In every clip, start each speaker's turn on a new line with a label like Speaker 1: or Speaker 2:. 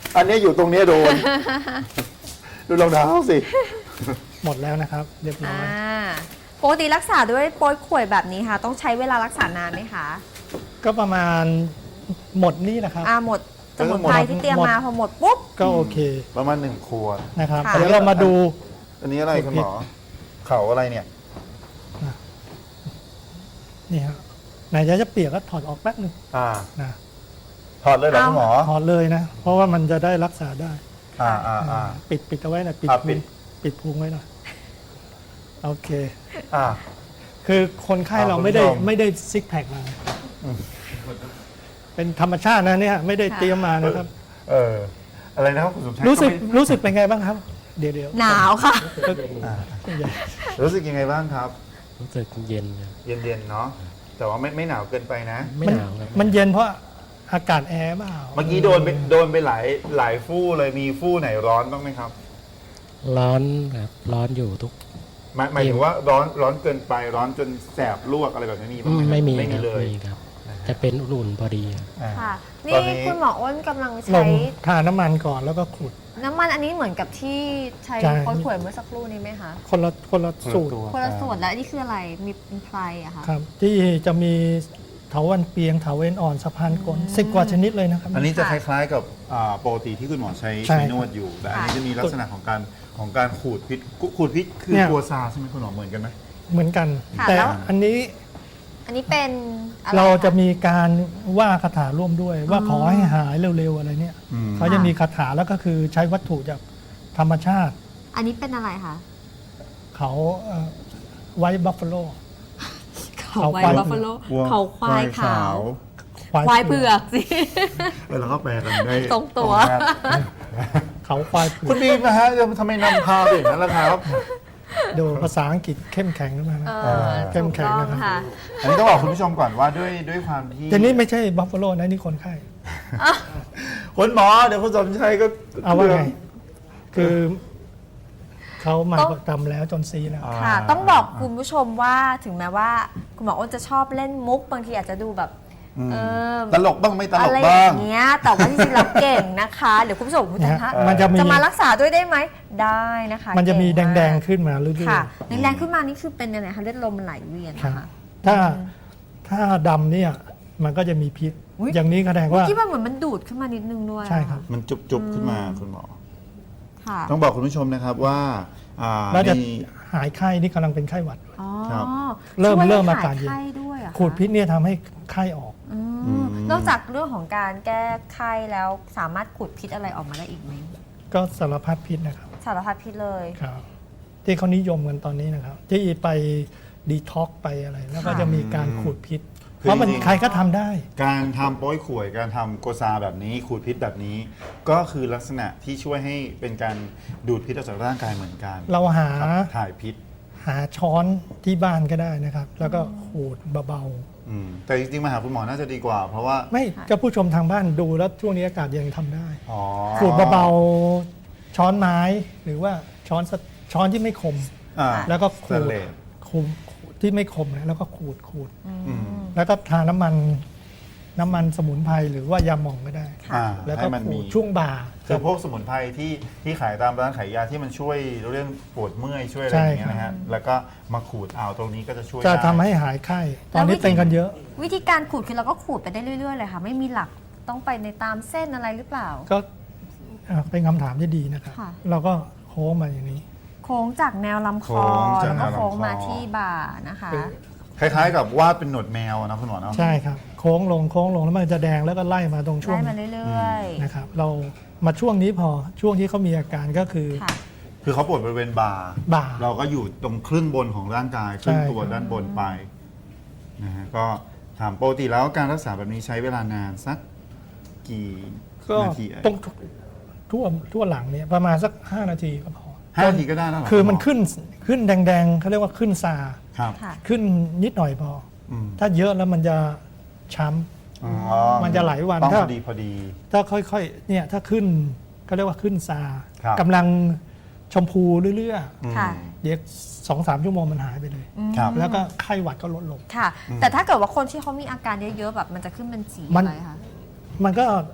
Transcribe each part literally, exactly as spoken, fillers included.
Speaker 1: อันนี้อยู่ตรงนี้โดน ดูรองเท้าสิ
Speaker 2: หมดแล้วนะครับ เรียบร้
Speaker 3: อ่า
Speaker 2: อย
Speaker 3: ปกติรักษาด้วยโป๊ยข่วยแบบนี้ค่ะ ต้องใช้เวลารักษานานไหมคะ
Speaker 2: ก็ประมาณหมดนี่นะครับ
Speaker 3: อ่าหมดสมุนไพรที่เตรียมมาพอหมดปุ๊บ
Speaker 2: ก็โอเค
Speaker 1: ประมาณหนึ่งขวด
Speaker 2: นะครับ
Speaker 3: ค่ะ
Speaker 2: เดี๋ยวเรามาดู
Speaker 1: อันนี้อะไรคุณหมอ เขาอะไรเนี่ย
Speaker 2: นี่ครับไหนจะจะเปียกก็ถอดออกแป๊บนึง
Speaker 1: อ่า
Speaker 2: นะ
Speaker 1: ถอดเลยเหรอคุณหมอ
Speaker 2: ถอดเลยนะ เพราะว่ามันจะได้รักษาได้
Speaker 1: อ่าอ่าอ่า
Speaker 2: ปิดปิดเอาไว้หน่อยปิด
Speaker 1: อ่ะ
Speaker 2: พุ
Speaker 1: ปิ
Speaker 2: ง
Speaker 1: ด
Speaker 2: ปิดพุงไว้หน่อยโอเค
Speaker 1: อ่า
Speaker 2: คือคนไข้
Speaker 1: อ่ะ
Speaker 2: เราไม่ได้
Speaker 1: คุณผู้ชม
Speaker 2: ไม่ได้ซิกแพคมา เป็นธรรมชาตินะเนี่ยไม่ได้เตรียมมานะครับ
Speaker 1: เออ อะไรนะครับคุณสมชาย
Speaker 2: รู้สึก
Speaker 1: ไม่
Speaker 2: รู้สึกเป็นไงบ้างครับ เดี๋ยวเดี๋ยว
Speaker 3: หนาวค่ะ
Speaker 1: อ่ารู้สึกยังไงบ้างครับ
Speaker 4: รู้สึกเย็นครับ
Speaker 1: เย็นๆเนาะ แต่ว่าไม่ไม่หนาวเกินไปนะ
Speaker 4: ไม่
Speaker 2: มัน
Speaker 4: หนาวครับ
Speaker 2: มันเย็นเพราะอากาศแอร์เปล่า
Speaker 1: เมื่อกี้โดนไปโดนไปหลายหลายฟู่เลยมีฟู่ไหนร้อนบ้างไหมครับ
Speaker 4: ร้อนครับร้อนอยู่ทุก
Speaker 1: หมายหมายถึงว่าร้อนร้อนเกินไปร้อนจนแสบลวกอะไรแบบนี้มีบ้างไหมครับ
Speaker 4: ไม่มี
Speaker 1: ไม่
Speaker 4: ค
Speaker 1: มี
Speaker 4: รับ
Speaker 1: เลย
Speaker 4: ไม่มีครับ จะเป็นอุ่นๆพอดีครับ
Speaker 1: อ่า
Speaker 3: ค่ะ
Speaker 1: ต
Speaker 3: นี่
Speaker 1: อนนี้
Speaker 3: คุณหมออ้นกำลัง
Speaker 2: ล
Speaker 3: ใช้
Speaker 2: งทาน้ำมันก่อนแล้วก็ขูด
Speaker 3: น้ำมันอันนี้เหมือนกับที่ใช้
Speaker 2: ใช่
Speaker 3: โป๊ยข่วยเมื่อสักครู่นี้ไหมคะ
Speaker 2: คนละคนละสูตร
Speaker 3: คนละส่วนแล้วอันนี้คืออะไร มีเป็นไพรอะคะ
Speaker 2: ครับ ที่จะมีเถาวันเปียงเถาเวนอ่อนสะพานกลสิบกว่าชนิดเลยนะครับ
Speaker 1: อันนี้จะคล้ายๆกับอ่าปกติที่คุณหมอใช้
Speaker 2: ใช่
Speaker 1: ใช้นวดอยู่ แต่อันนี้จะมีลักษณะของการของการขูดพิษขูดพิษคือ
Speaker 2: เนี่ย
Speaker 1: ตัวซาใช่ไหมคุณหมอเหมือนกันไหม
Speaker 2: เหมือนกัน
Speaker 3: ค่ะ
Speaker 2: แต่
Speaker 3: แล้ว
Speaker 2: อันนี้
Speaker 3: อันนี้เป็นอไ
Speaker 2: เราจะ
Speaker 3: ค
Speaker 2: มีการว่าคาถาร่วมด้วย ว่าขอให้หายเร็วๆอะไรเนี่ย
Speaker 1: อืม
Speaker 2: เขาจะมีคาถาแล้วก็คือใช้วัตถุจากธรรมชาติ
Speaker 3: อันนี้เป็นอะไรคะ
Speaker 2: เขาไวท์บัฟฟาโล
Speaker 3: เขาไว
Speaker 2: เขาควาย
Speaker 3: บัฟฟาโล
Speaker 1: วัว
Speaker 3: เขาควายขาว
Speaker 2: ควาย
Speaker 3: ควายเผือกสิ
Speaker 1: เออแล้วก็แปลกันได้
Speaker 3: ตรงตัว
Speaker 1: มาก
Speaker 2: เขาควายเผื
Speaker 1: คุ
Speaker 2: อ
Speaker 1: ณ
Speaker 2: ก
Speaker 1: บีมนะฮะทำไมนำพาไปอย่างนั้นล่ะครับ
Speaker 2: ดูภาษาอังกฤษเข้มแข็งมากนะ
Speaker 3: เออ
Speaker 2: เข้มแข็ง
Speaker 3: ถูกต้อง
Speaker 2: นะครับ
Speaker 3: ค่ะ
Speaker 1: อันนี้ต้องบอกคุณผู้ชมก่อนว่าด้วยด้วยความที่
Speaker 2: แต่นี่ไม่ใช่บัฟฟาโลนะนี่คนไข้
Speaker 1: คุณหมอเดี๋ยวคุณสมชัยก็
Speaker 2: เอาว่าไง คือเขามา
Speaker 3: ต้อง
Speaker 2: ประจำแล้วจนซีแล้ว
Speaker 1: อ่า
Speaker 3: ค่ะ ต้องบอกคุณผู้ชมว่าถึงแม้ว่า คุณหมออ้นจะชอบเล่นมุกบางทีอาจจะดูแบบ
Speaker 1: อืม
Speaker 3: เออ
Speaker 1: ตลกบ้างไม่ตล
Speaker 3: อะ
Speaker 1: ก
Speaker 3: ไรอ
Speaker 1: บ้าง
Speaker 3: ย่างเงี้ยแต่ว่าจริงๆเราเก่งนะคะเดี๋ยวคุณผู้ชมคุณจะ
Speaker 2: นะฮะมันจะมี
Speaker 3: จะมารักษาด้วยได้ไหมได้นะคะ
Speaker 2: มันจะมีแ
Speaker 3: เก่า
Speaker 2: ด
Speaker 3: ก
Speaker 2: งๆขึ้นมาเรื่อย
Speaker 3: ค่ะแดงๆขึ้นมานี่คือเป็นยังไงคะเลือดลมมันไหลเวียน
Speaker 2: ๆครับ
Speaker 3: นะคะ
Speaker 2: ถ้าถ้าดำเนี่ยมันก็จะมีพิษ
Speaker 3: อุ๊ย
Speaker 2: อย่างนี้แสดงว่า
Speaker 3: คิดว่าเหมือนมันดูดขึ้นมานิดนึงด้วย
Speaker 2: ใช่ครับ
Speaker 1: มันจุบจุบๆขึ้นมาคุณหมอ
Speaker 3: ค่ะ
Speaker 1: ต้องบอกคุณผู้ชมนะครับว่าอ่า
Speaker 2: แล้วจะ
Speaker 1: มี
Speaker 2: หายไข้นี่กำลังเป็นไข้หวัด
Speaker 3: อ๋อ
Speaker 1: ครับ
Speaker 2: เริ่ม
Speaker 3: ช่วย
Speaker 2: เริ่ม
Speaker 3: ให้
Speaker 2: อาการเย็น
Speaker 3: หไข้ด้วยเหรอคะ
Speaker 2: ขูดพิษเนี่ยทำให้ไข้ออก
Speaker 3: อืม
Speaker 1: อืม
Speaker 3: นอกจากเรื่องของการแก้ไข้แล้วสามารถขูดพิษอะไรออกมาได้อีกไหม
Speaker 2: ก็สารพัดพิษนะครับ
Speaker 3: สารพัดพิษเลย
Speaker 2: ครับ ที่เขานิยมกันตอนนี้นะครับ ที่ไปดีท็อกไปอะไร แล้วก็
Speaker 3: ค่ะ
Speaker 2: จะมีการขูดพิษ
Speaker 1: คือ
Speaker 2: เพราะมัน
Speaker 1: จริงๆ
Speaker 2: ใครก็ทำได้
Speaker 1: การทำโป้ยข่วยการทำโกซาแบบนี้ขูดพิษแบบนี้ ก็คือลักษณะที่ช่วยให้เป็นการดูดพิษออกจากร่างกายเหมือนกัน
Speaker 2: เราหา
Speaker 1: ครับถ่ายพิษ
Speaker 2: หาช้อนที่บ้านก็ได้นะครับ แล้วก็ขูดเบา
Speaker 1: อืมแต่จริงๆมาหาคุณหมอน่าจะดีกว่า เพราะว่า
Speaker 2: ๆ ไม่ก็ผู้ชมทางบ้านดูแล้วช่วงนี้อากาศเย็นทำได้
Speaker 1: อ๋อ
Speaker 2: ขูดเบาๆช้อนไม้หรือว่าช้อนสช้อนที่ไม่คม
Speaker 1: อ่า
Speaker 2: แล้วก็ขู
Speaker 1: ส
Speaker 2: ด
Speaker 1: เลด
Speaker 2: ขูดขูดที่ไม่คมนะแล้วก็ขูดขูด
Speaker 1: อืม
Speaker 2: แล้วก็ทาน้ำมันน้ำมันสมุนไพรหรือว่ายาหม่องก็ได้
Speaker 1: อ่า
Speaker 2: แล้วก็
Speaker 1: ให้มัน
Speaker 2: ขู
Speaker 1: มี
Speaker 2: ดช่วงบ่า
Speaker 1: คือพวกสมุนไพรที่ที่ขายตามร้านขายยาที่มันช่วยเรื่องปวดเมื่อยช่วยอะไรอย่างเงี้ยนะฮะแล้วก็มาขูดเอาตรงนี้ก็จะช่วย
Speaker 2: จะ
Speaker 1: ได้
Speaker 2: ทำให้หายไข้ ตอนนี้เป็นกันเยอะ
Speaker 3: วิธีการขูดคือเราก็ขูดไปได้เรื่อยๆเลยค่ะ ไม่มีหลักต้องไปในตามเส้นอะไรหรือเปล่า
Speaker 2: ก็อ่าเป็นคำถามที่ดีนะครับ
Speaker 3: ค่ะ
Speaker 2: เราก็โค้งมาอย่างนี้
Speaker 3: โค้งจากแนวลำคอ
Speaker 1: โค้งจาก
Speaker 3: แล้ว
Speaker 1: แน
Speaker 3: ก็
Speaker 1: วลำคอ
Speaker 3: โค้งมาที่บ่านะคะ
Speaker 1: คล้ายๆกับวาดเป็นหนวดแมวนะคุณหมอเนาะ
Speaker 2: ใช่ครับ โค้งลงโค้งลงแล้วมันจะแดงแล้วก็ไล่มาตรงช่วง
Speaker 3: ไล่มา
Speaker 2: นี้
Speaker 3: เรื่อย
Speaker 2: นะครับ เรามาช่วงนี้พอช่วงที่เขามีอาการก็คือ
Speaker 3: ๆ ค่ะ
Speaker 1: คือเขาปวดบริเวณบ่า
Speaker 2: บ่า
Speaker 1: เราก็อยู่ตรงครึ่งบนของร่างกายครึ่ง
Speaker 2: ใช่
Speaker 1: ตัวด้านบนไปนะฮะก็ถามปกติแล้วการรักษาแบบนี้ใช้เวลานานสักกี่
Speaker 2: ก็
Speaker 1: นาทีเอ่ย
Speaker 2: ตรงทั่วทั่วหลังเนี่ยประมาณสักห้านาทีก็พอ
Speaker 1: ห้านาทีก็ได้แล้วเหร
Speaker 2: คือมัน
Speaker 1: ณห
Speaker 2: ขึ้นขึ้นแดงๆเขาเรียกว่าขึ้นซา
Speaker 1: ครับ
Speaker 3: ค่ะ
Speaker 2: ขึ้นนิดหน่อยพอ
Speaker 1: อืม
Speaker 2: ถ้าเยอะแล้วมันจะช้
Speaker 1: อ๋อ
Speaker 2: มันจะหลายวัน
Speaker 1: ต้อง
Speaker 2: ถ้า
Speaker 1: พอดีพอดี
Speaker 2: ำถ้าค่อยๆเนี่ยถ้าขึ้นเขาเรียกว่าขึ้นซา
Speaker 1: ครับ
Speaker 2: กำลังชมพูเรื่อย
Speaker 3: ค่ะ
Speaker 2: ๆเดี๋ยวสองสามชั่วโมงมันหายไปเลย
Speaker 1: ครับ
Speaker 2: แล้วก็ไข้หวัดก็ลดลง
Speaker 3: ค่ะ แต่ถ้าเกิดว่าคนที่เขามีอาการเยอะๆแบบมันจะขึ้นเป็นสี
Speaker 2: มัน
Speaker 3: อะไรคะ
Speaker 2: มันก็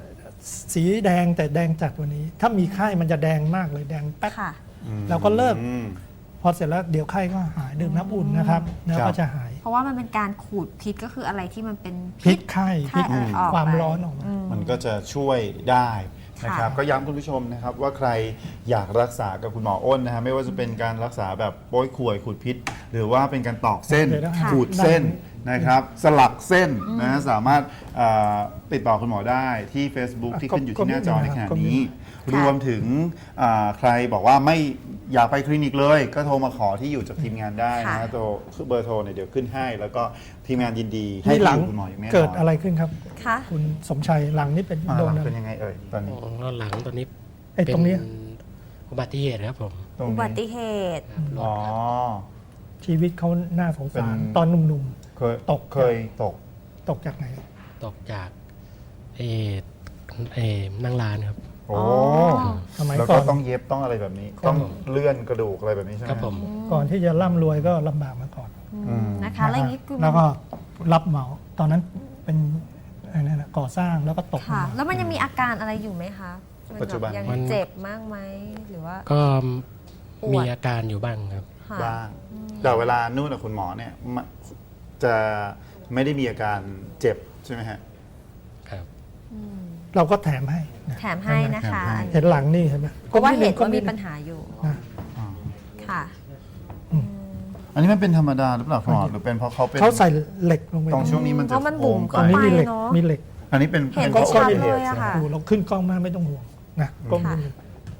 Speaker 2: สีแดงแต่แดงจัดกว่านี้ ถ้ามีไข้มันจะแดงมากเลยแดงแป๊ด
Speaker 3: ค่ะ
Speaker 2: เราก็เลิก
Speaker 1: อืม
Speaker 2: พอเสร็จแล้วเดี๋ยวไข้ก็หายดื่มน้ำอุ่นนะครับแล้ว
Speaker 1: ครั
Speaker 2: ก็
Speaker 1: บ
Speaker 2: จะหาย
Speaker 3: เพราะว่ามันเป็นการขูดพิษก็คืออะไรที่มันเป็น
Speaker 2: พิษไข้
Speaker 3: ไข้
Speaker 2: พิษ
Speaker 3: อะไรออก
Speaker 2: ความ
Speaker 3: ไป
Speaker 2: ร้อนออกมา
Speaker 3: อื
Speaker 1: มันก็จะช่วยได้นะครับ
Speaker 3: ค่ะ
Speaker 1: ก็ย้ำคุณผู้ชมนะครับว่าใครอยากรักษากับคุณหมออ้นนะฮะไม่ว่าจะเป็นการรักษาแบบโป้ยข่วยขูดพิษ หรือว่าเป็นการตอกเส้น
Speaker 2: เดี๋ยวนะ
Speaker 1: ขูดเส้น
Speaker 2: ได้
Speaker 1: นะครับ สลักเส้นนะฮะสามารถเอ่อติดต่อคุณหมอได้ที่ Facebook ที่ขึ้นอยู่ที่หน้าจอในขณะนี้ รวมถึงอ่าใครบอกว่าไม่อยากไปคลินิกเลย ก็โทรมาขอที่อยู่จากทีมงานได้นะฮะ
Speaker 3: ค่ะ
Speaker 1: โทรเบอร์โทรเนี่ยเดี๋ยวขึ้นให้ แล้วก็ทีมงานยินดีให้
Speaker 2: นี่หลัง
Speaker 1: ที่อยู่คุณหมออย่างแน่นอน
Speaker 2: เกิดอะไรขึ้นครับ
Speaker 3: ค่ะ
Speaker 2: คุณสมชัยหลังนี่เป็น
Speaker 1: อ่า
Speaker 2: โด
Speaker 1: ห
Speaker 2: น
Speaker 1: ลัง
Speaker 2: อะไร
Speaker 1: เป็นยังไงเอ่ยตอนนี้
Speaker 4: แล้วหลังตัวนี้
Speaker 2: ไอ้ตรงเนี้ย
Speaker 4: เป็นอุบัติเหตุครับผม
Speaker 1: ตรง
Speaker 3: อุ
Speaker 1: นี้
Speaker 3: บัติเหตุ
Speaker 4: ครับรถ
Speaker 1: อ๋อ
Speaker 2: ชีวิตเขาน่าสงสาร
Speaker 1: เป็น
Speaker 2: ตอนหนุ่ม
Speaker 1: เคย
Speaker 2: ตก
Speaker 1: เคยตก
Speaker 2: ๆ ตกจากไหน
Speaker 4: ตกจากเออเออนั่งร้านครับ
Speaker 1: โอ้
Speaker 2: สมัย
Speaker 1: แล้ว
Speaker 2: ก่
Speaker 1: ก็
Speaker 2: อน
Speaker 1: ต้องเย็บต้องอะไรแบบนี้
Speaker 2: ครับ
Speaker 1: ต้องเลื่อนกระดูกอะไรแบบนี้ใช่ไหม
Speaker 4: ครับผม
Speaker 2: ก่อนที่จะร่ำรวยก็ลำบากมาก่อน
Speaker 1: อืม
Speaker 3: นะคะ แล้วอย่างนี้คือ
Speaker 2: แล้วก็รับเหมา ตอนนั้นเป็นอะไรนั่นนะก่อสร้างแล้วก็ตกลง
Speaker 3: ค่ะ
Speaker 2: มา
Speaker 3: แล้วมันยังมีอาการอะไรอยู่ไหมคะมั
Speaker 1: ปัจจุบัน
Speaker 3: ยัง
Speaker 4: มัน
Speaker 3: เจ็บมากไหมหรือว่า
Speaker 4: ก็
Speaker 3: ปวด
Speaker 4: มีอาการอยู่บ้างครับ
Speaker 3: ค่ะ
Speaker 1: บ้าง แต่เวลานวดกับคุณหมอเนี่ยมะจะไม่ได้มีอาการเจ็บใช่ไหมฮะ
Speaker 4: ครับ
Speaker 3: อืม
Speaker 2: เราก็แถมให้นะ
Speaker 3: แถมให้นะคะ
Speaker 1: แถมให้
Speaker 2: เห็นหลังนี่เห็นไหม
Speaker 3: เพราะว่าเห็น
Speaker 2: ก้
Speaker 3: ว่ามี
Speaker 2: ดง
Speaker 3: ปัญหาอยู่
Speaker 2: นะ
Speaker 1: อ่า
Speaker 3: ค่ะ
Speaker 2: อืม
Speaker 1: อันนี้มันเป็นธรรมดาหรือเปล่าคุณหมอหรือเป็นเพราะเขาเป็น
Speaker 2: เขาใส่เหล็กลงไป
Speaker 1: ตรงช่วงนี้มัน
Speaker 3: เพ
Speaker 1: จะ
Speaker 3: ราะมันบุ๋ม
Speaker 1: โค้
Speaker 2: ตรง ง
Speaker 1: ไป
Speaker 2: นี้มีเหล็ก
Speaker 3: เนอะ
Speaker 2: มีเหล็ก
Speaker 1: อันนี้เป็น
Speaker 3: เห็น
Speaker 1: เป็น
Speaker 3: ได้ชัด
Speaker 1: พราะ
Speaker 3: เลยอะ
Speaker 1: ใช่ไหม
Speaker 3: ค่ะ
Speaker 2: โอ้เราขึ้นกล้องมาไม่ต้องห่วงนะกล้อง
Speaker 3: ค่ะ
Speaker 2: นิดนึง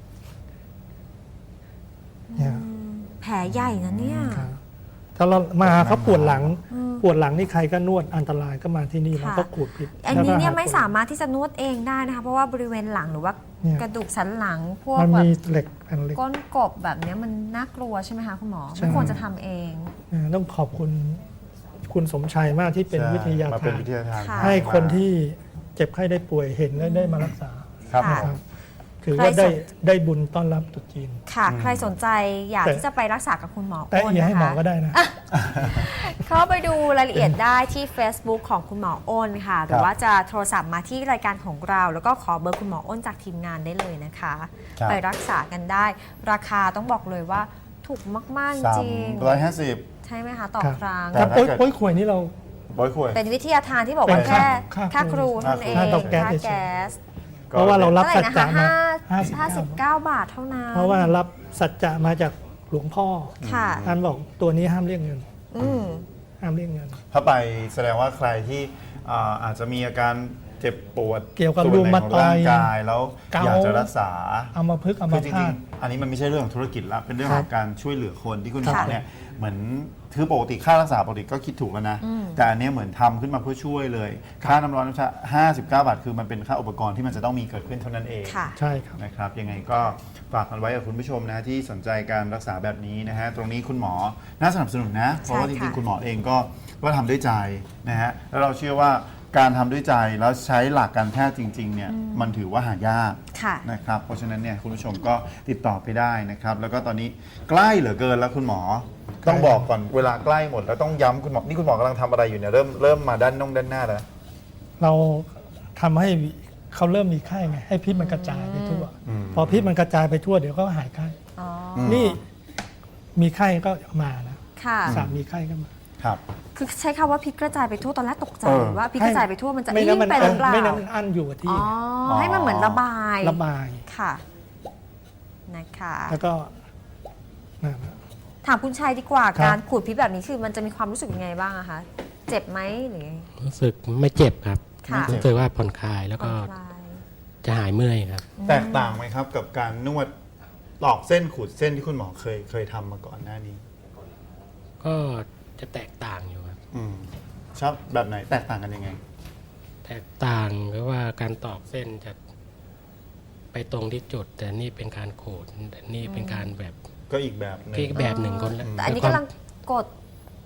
Speaker 2: เนี่ย
Speaker 3: อืมแผลใหญ่นะเนี่ย
Speaker 2: ครับถ้าเรามาเขาปวดหลัง
Speaker 3: อืม
Speaker 2: ปวดหลังนี่ใครก็นวดอันตรายก็มาที่นี่
Speaker 3: ค่ะ
Speaker 2: เราก็ขูดพิษ
Speaker 3: อันนี้เนี่ย
Speaker 2: แล้วก็ห
Speaker 3: ไม่
Speaker 2: ปวด
Speaker 3: สามารถที่จะนวดเองได้นะคะ เพราะว่าบริเวณหลังหรือว่า
Speaker 2: เนี่ย
Speaker 3: กระดูกสันหลังพวก
Speaker 2: มัน
Speaker 3: แบบ
Speaker 2: มีเหล็กแผ่นเหล็ก
Speaker 3: ก้นกบแบบเนี้ยมันน่ากลัวใช่ไหมคะคุณหมอ
Speaker 2: ใช่
Speaker 3: ไม่ควรจะทำเอง
Speaker 2: นะต้องขอบคุณคุณสมชัยมากที่เป็น
Speaker 1: ใช่
Speaker 2: วิทยา
Speaker 1: มา
Speaker 2: ทา
Speaker 1: เป็น
Speaker 2: น
Speaker 1: วิทยาทาน
Speaker 3: ค่ะ
Speaker 2: ให้คนที่เจ็บไข้ได้ป่วยเห็นและได้มารักษา
Speaker 1: ครับ
Speaker 3: ค่ะ
Speaker 2: ครับถือว่าได้ได้บุญต้อนรับตรุษจีน
Speaker 3: ค่ะ ใครสนใจอยาก
Speaker 2: แต่
Speaker 3: ที่จะไปรักษากับคุณหมอ
Speaker 2: แต่
Speaker 3: อ้น
Speaker 2: อย่าให้
Speaker 3: นะ
Speaker 2: หมอ
Speaker 3: คะ
Speaker 2: ก็ได้นะ
Speaker 3: เข้าไปดูรายละเอียดได้ที่ Facebook ของคุณหมออ้นค่ะ หรือว่าจะโทรศัพท์มาที่รายการของเรา แล้วก็ขอเบอร์คุณหมออ้นจากทีมงานได้เลยนะคะ
Speaker 1: ครับ
Speaker 3: ไปรักษากันได้ ราคาต้องบอกเลยว่าถูกมาก ๆ
Speaker 1: สาม
Speaker 3: จริง
Speaker 1: ร้อยห้าสิบ
Speaker 3: ใช่ไหมคะ ต่อ
Speaker 2: ครับ
Speaker 3: ครั้ง
Speaker 1: แต่
Speaker 2: แต่
Speaker 1: ถ้า
Speaker 2: โป้ย
Speaker 1: เกิด
Speaker 2: โป้ยข่วยนี่เรา
Speaker 1: บอยคุย
Speaker 3: เป็นวิทยาทานที่บอกว่า
Speaker 2: เป็น
Speaker 3: แค่
Speaker 2: ค่า
Speaker 3: ค่าครูเท่านั้นเอง
Speaker 2: ค่าเตาแก๊ส
Speaker 3: ค่า
Speaker 2: เฉยๆ
Speaker 3: แก๊ส
Speaker 2: เพราะว่าเรารับ
Speaker 3: เท่าไห
Speaker 2: สั
Speaker 3: ร่
Speaker 2: จ
Speaker 3: นะคะ
Speaker 2: จะมา
Speaker 3: ห้า
Speaker 2: ห้า
Speaker 3: ห้า
Speaker 2: สิ
Speaker 3: สิ
Speaker 2: บบ เก้า
Speaker 3: เก้าบาทเท่านั้น
Speaker 2: เพราะว่ารับสัจจะมาจากหลวงพ่อ
Speaker 3: ค่ะ
Speaker 2: ท่านบอกตัวนี้ห้ามเรียกเงิน
Speaker 3: อืม
Speaker 2: ห้ามเรียกเงิน
Speaker 1: ถ้าไปแสดงว่าใครที่อ่าอาจจะมีอาการเจ็บปวด
Speaker 2: เกี่ยวกับ
Speaker 1: ส่วนไหนของ
Speaker 2: รูมาตอยด์
Speaker 1: ร่างกายแล้ว
Speaker 2: เกา
Speaker 1: อยากจะรักษา
Speaker 2: เอามาพึกษ์เอา
Speaker 1: คื
Speaker 2: มา
Speaker 1: อจ
Speaker 2: พา
Speaker 1: ริง
Speaker 2: ด
Speaker 1: ๆ อันนี้มันไม่ใช่เรื่องของธุรกิจละเป็นเรื่อง
Speaker 2: ค
Speaker 1: ข
Speaker 2: รั
Speaker 1: อบ งการช่วยเหลือคนที่คุณหมอ
Speaker 3: ค่ะ
Speaker 1: เนี่ยเหมือนคือปกติค่ารักษาปกติก็คิดถูกแล้วนะ
Speaker 3: อืม
Speaker 1: แต่อันเนี้ยเหมือนทำขึ้นมาเพื่อช่วยเลย ค่าน้ำร้อนน้ำชาห้าสิบเก้าบาทคือมันเป็นค่าอุปกรณ์ที่มันจะต้องมีเกิดขึ้นเท่านั้นเอง
Speaker 3: ค่ะ
Speaker 2: ใช่ครับ
Speaker 1: นะครับยังไงก็ฝากกันไว้กับคุณผู้ชมนะที่สนใจการรักษาแบบนี้นะฮะตรงนี้คุณหมอน่าสนับสนุนนะ เพราะว่าจ
Speaker 3: ใช่
Speaker 1: ริง
Speaker 3: ค่ะ
Speaker 1: ๆคุณหมอเองก็ก็ทำด้วยใจนะฮะแล้วเราเชื่อว่าการทำด้วยใจแล้วใช้หลักการแพทย์จริงๆเนี่ยมันถือว่าหายาก
Speaker 3: ค่ะ
Speaker 1: นะครับเพราะฉะนั้นเนี่ยคุณผู้ชมก็ติดต่อไปได้นะครับแล้วก็ตอนนี้ใกล้เหลือเกินแล้วคุณหมอ ต้องบอกก่อนเวลาใกล้หมดแล้วต้องย้ำคุณหมอนี่คุณหมอกำลังทำอะไรอยู่เนี่ยเริ่มเริ่มมาด้านน่องด้านหน้าแล้ว
Speaker 2: เราทำให้เขาเริ่มมีไข้ไงให้พิษมันกระจายไปทั่ว
Speaker 1: อืม
Speaker 2: พอพิษมันกระจายไปทั่วเดี๋ยวก็หายไข้
Speaker 3: อ๋อ
Speaker 1: ม
Speaker 2: นี่มีไข้ก็มานะ
Speaker 3: ค่ะ
Speaker 2: สามีไข้ก็มา
Speaker 1: ครับ
Speaker 3: คือใช้คำว่าพิษกระจายไปทั่วตอนแรกตกใจ
Speaker 1: เออ
Speaker 3: ว่าพิษกระจายไปทั่วมันจะ
Speaker 2: ไม่
Speaker 3: ยิ่
Speaker 2: งั้น
Speaker 3: ง
Speaker 2: มัน
Speaker 3: ไปหรือเปล่า
Speaker 2: ไม่งั้นมันอั้นอยู่กับที่
Speaker 3: อ๋อ ให้มันเหมือนระบาย
Speaker 2: ระบาย
Speaker 3: ค่ะ นะคะ
Speaker 2: แล้วก็นั่นนะ
Speaker 3: ถามคุณชัยดีกว่า
Speaker 2: ครับ
Speaker 3: การขูดพิษแบบนี้คือมันจะมีความรู้สึกยังไงบ้างอะคะ เจ็บไหมหรือไง
Speaker 4: รู้สึกไม่เจ็บครับ
Speaker 3: ค่ะ
Speaker 4: รู้สึกว่าผ่อนคลายแล้ว
Speaker 3: ผ่
Speaker 4: ก็
Speaker 3: อนคลาย
Speaker 4: จะหายเมื่อยครับ
Speaker 1: แตกต่างไหมครับกับการนวดตอกเส้นขูดเส้นที่คุณหมอเคยเคยทำมาก่อนหน้านี้
Speaker 4: ก็จะแตกต่างอยู่ครับ
Speaker 1: อืมชอบแบบไหนแตกต่างกันยังไง
Speaker 4: แตกต่างก็ว่าการตอกเส้นจะไปตรงที่จุด แต่นี่เป็นการขูดแต่นี่เป็นการแบบ
Speaker 1: ก็อีกแบบหนึง
Speaker 4: ที่แบบหนึ่งคนละ
Speaker 3: แต่อันนี้
Speaker 4: แล้ว
Speaker 3: กำลังกด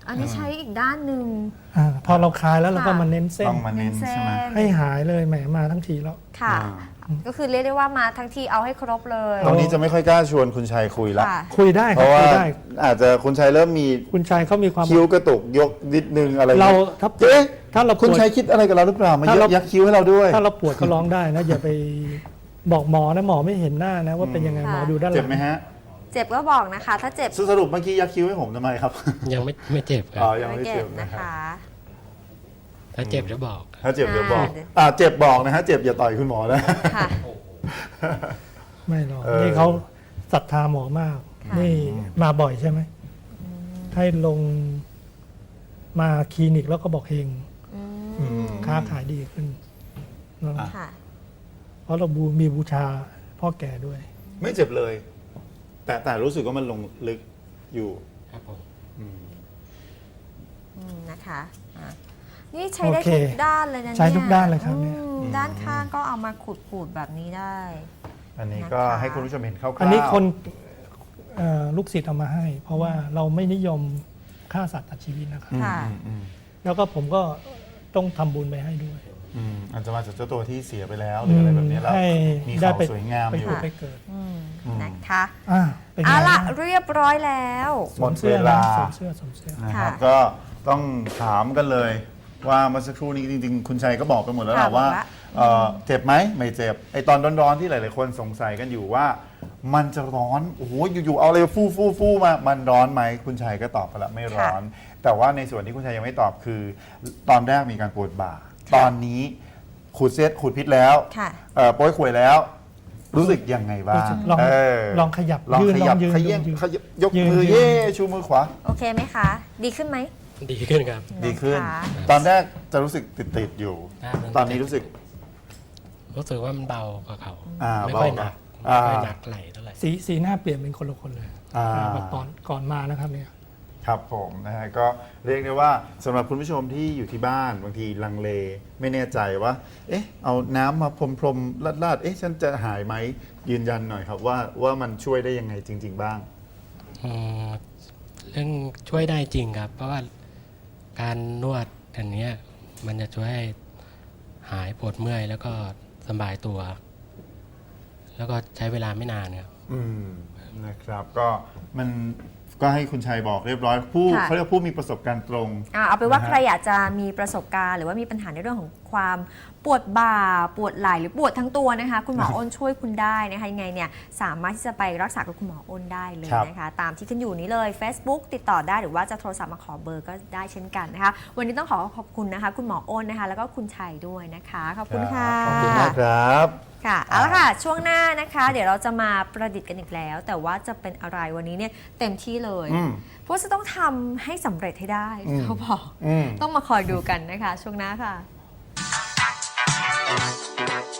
Speaker 3: อันนี้ใช้อีกด้านหนึ่ง
Speaker 2: อาพอเราคลายแล้วเราก็
Speaker 3: ค่ะ
Speaker 2: มาเน้นเส้น
Speaker 1: ต้องมาเน้น
Speaker 3: เส้น
Speaker 1: ใช่ไหม
Speaker 2: ให้หายเลยแหมมาทั้งทีแล้ว
Speaker 3: ค่ะ
Speaker 1: อ่า
Speaker 3: ก็คือเรียกได้ว่ามาทั้งทีเอาให้ครบเลย
Speaker 1: ตอนนี้จะไม่ค่อยกล้าชวนคุณชัยคุยละ
Speaker 3: ค่ะ
Speaker 2: คุยได้
Speaker 1: เพ
Speaker 2: ครับ
Speaker 1: ราะว่า
Speaker 2: คุยได้
Speaker 1: อาจจะคุณชัยเริ่มมี
Speaker 2: คุณชายเขามีความ
Speaker 1: คิ้วกระตุกยกนิดนึงอะไร
Speaker 2: เรา
Speaker 1: งี้ย
Speaker 2: ถ้า
Speaker 1: เอ๊ะ
Speaker 2: ถ้าเรา
Speaker 1: คุณ
Speaker 2: ปวด
Speaker 1: ชัยคิดอะไรกับเราหรือเปล่ามา
Speaker 2: ถ้า
Speaker 1: เย
Speaker 2: เรา
Speaker 1: อะยักคิ้วให้เราด้วย
Speaker 2: ถ้าเราปวดก็ร้องได้นะอย่าไปบอกหมอนะหมอไม่เห็นหน้านะว่าเป็นยังไง
Speaker 3: ค่ะ
Speaker 2: หมอดูด้านห
Speaker 1: เจ็
Speaker 2: ลั
Speaker 1: บ
Speaker 2: ง
Speaker 1: ไหมฮะ
Speaker 3: เจ็บก็บอกนะคะ ถ้าเจ็บ
Speaker 1: สรุปเมื่อกี้ยักคิ้วให้ผมทำไมครับ
Speaker 4: ยังไม่ไม่เจ็บครั
Speaker 1: อ๋อบ ยังไม่
Speaker 3: ไม่
Speaker 1: เจ็
Speaker 3: เจ็
Speaker 1: บบ นะ
Speaker 3: นะครับ คะ
Speaker 4: ถ้าเจ็บจะบอก
Speaker 1: ถ้าเจ็บเดี๋ยวบอก
Speaker 3: อ่า
Speaker 1: อ่าเจ็บบอกนะฮะเจ็บอย่าต่อยคุณหมอนะ
Speaker 3: ค่ะ
Speaker 2: ไม่หรอก
Speaker 1: เออ
Speaker 2: นี่เขาศรัทธาหมอมาก
Speaker 3: ค่ะ
Speaker 2: นี่มาบ่อยใช่ไหมให้ลงมาคลินิกแล้วก็บอกเฮง
Speaker 3: อืม
Speaker 2: ค้าขายดีขึ้นเนอะ
Speaker 3: ค่ะ
Speaker 2: เพราะเราบูมีบูชาพ่อแก่ด้วย
Speaker 1: ไม่เจ็บเลย แต่แต่รู้สึกว่ามันลงลึกอยู่
Speaker 4: ครับผม
Speaker 1: อืม
Speaker 3: อืมนะคะอ่ะนี่ใช้ได้
Speaker 2: โอเค
Speaker 3: ทุกด้านเลยนะเนี่ย
Speaker 2: ใช้ทุกด้านเลยครับเนี่ย
Speaker 3: อืมด้านข้างก็เอามาขูดๆแบบนี้ได้
Speaker 1: อันนี้ก็
Speaker 3: นะคะ
Speaker 1: ให้คุณผู้ชมเห็นคร่าวๆ
Speaker 2: อันนี้คนเอ่อลูกศิษย์เอามาให้ เพราะว่าเราไม่นิยมฆ่าสัตว์ตัดชีวิตนะครับ
Speaker 1: อืม
Speaker 3: ค่ะ
Speaker 1: อืมอืม
Speaker 2: แล้วก็ผมก็ต้องทำบุญไปให้ด้วย
Speaker 1: อืมอาจจะมาจากเจ้าตัวที่เสียไปแล้วหรืออะไรแบบนี้แล้ว
Speaker 2: ให้
Speaker 1: มี
Speaker 2: ได้
Speaker 1: เขา
Speaker 2: ไป
Speaker 1: สวยงาม
Speaker 2: ไป
Speaker 1: อยู่
Speaker 2: ผุดไปเกิด
Speaker 3: อืม
Speaker 1: อืม
Speaker 3: นะคะ
Speaker 2: อ่าเป็นไง
Speaker 3: เอาละ
Speaker 2: บ้าง
Speaker 3: เรียบร้อยแล้ว
Speaker 1: หมด
Speaker 2: สวสื้อ
Speaker 1: เวลา
Speaker 2: นะสวมเสื้อสวมเสื้อ
Speaker 1: นะครับ
Speaker 3: ค่ะ
Speaker 1: ก็ต้องถามกันเลย ว่าเมื่อสักครู่นี้จริงๆ คุณชัยก็บอกไปหมดแล้วแห
Speaker 3: ค่ะ
Speaker 1: ละว่า
Speaker 3: บอกละ
Speaker 1: เอ่อเจ็บไหมไม่เจ็บไอตอนร้อนๆที่หลายๆคนสงสัยกันอยู่ว่า มันจะร้อนโอ้โหอยู่ๆเอาอะไรฟู่ฟู่ฟู่มามันร้อนไหมคุณชัยก็ตอบไปแล้วไม่ร้อน แต่ว่าในส่วนที่คุณชัยยังไม่ตอบคือ ตอนแรกมีการปวดบ่า ตอนนี้ขูดเซตขูดพิษแล้ว
Speaker 3: ค่ะ
Speaker 1: เอ่อโป้ยขวยแล้ว รู้สึกยังไงบ้าง
Speaker 2: ลอง
Speaker 1: เออ
Speaker 2: ลองขยับ
Speaker 1: ลอง
Speaker 2: ยืน
Speaker 1: ข
Speaker 2: ล
Speaker 1: ยั
Speaker 2: อบ งยืน
Speaker 1: ขยับ
Speaker 2: ลองยืน
Speaker 1: ขยับยก
Speaker 2: ยืน
Speaker 1: มือ
Speaker 2: ยืน
Speaker 1: เย่ชูมือขวา
Speaker 3: โอเคไหมคะ ดีขึ้นไหม
Speaker 4: ดีขึ้นครับ
Speaker 1: ดีขึ้น
Speaker 3: นะคะ
Speaker 1: ตอนแรกจะรู้สึกติดๆอยู่
Speaker 4: อ่า
Speaker 1: ตอนนี้รู้สึก
Speaker 4: รู้สึกว่ามันเบากว่าเขา
Speaker 1: อ่า
Speaker 4: ไม่ค่อยห
Speaker 1: เบา
Speaker 4: นัก
Speaker 1: อ่า
Speaker 4: ไม่ค่อยหนักไหลเท่าไหร่
Speaker 2: สีสีหน้าเปลี่ยนเป็นคนละคนเลย
Speaker 1: อ่า
Speaker 2: แบบตอนก่อนมานะครับเนี่ย
Speaker 1: ครับผมนะฮะก็เรียกได้ว่าสำหรับคุณผู้ชมที่อยู่ที่บ้านบางทีลังเล ไม่แน่ใจว่า เอ๊ะ เอาน้ำมาพรมๆลาดๆเอ๊ะ ฉันจะหายไหมยืนยันหน่อยครับว่าว่ามันช่วยได้ยังไงจริง ๆ บ้าง
Speaker 4: อืมเรื่องช่วยได้จริงครับ เพราะว่าการนวดอันเนี้ยมันจะช่วยให้หายปวดเมื่อยแล้วก็สบายตัว แล้วก็ใช้เวลาไม่นานครับ
Speaker 1: อืมนะครับก็มันก็ให้คุณชัยบอกเรียบร้อยผู้
Speaker 3: ค่ะ
Speaker 1: เขาเรียกผู้มีประสบการณ์ตรง
Speaker 3: อ่ะเอาไปนว่า
Speaker 1: นะฮะ
Speaker 3: ใครอยากจะมีประสบการณ์หรือว่ามีปัญหาในเรื่องของความปวดบ่าปวดไหล่หรือปวดทั้งตัวนะคะ คุณหมออ้นช่วยคุณได้นะคะยังไงเนี่ยสามารถที่จะไปรักษากับคุณหมออ้นได้เลย
Speaker 1: ครับ
Speaker 3: นะคะ ตามที่ขึ้นอยู่นี้เลย Facebook ติดต่อได้หรือว่าจะโทรศัพท์มาขอเบอร์ก็ได้เช่นกันนะคะ วันนี้ต้องขอขอบคุณนะคะ คุณหมออ้นนะคะ แล้วก็คุณชัยด้วยนะคะขอบคุณค่ะ
Speaker 1: ขอบคุณมากครับ
Speaker 3: ค่ะเอาละค่ะช่วงหน้านะคะ เดี๋ยวเราจะมาประดิษฐ์กันอีกแล้ว แต่ว่าจะเป็นอะไรวันนี้เนี่ยเต็มที่เลย
Speaker 1: อืม
Speaker 3: เพราะจะต้องทำให้สำเร็จให้ได้
Speaker 1: อืม
Speaker 3: เขาบอก
Speaker 1: อืม
Speaker 3: ต้องมาคอยดูกันนะคะ ช่วงหน้าค่ะ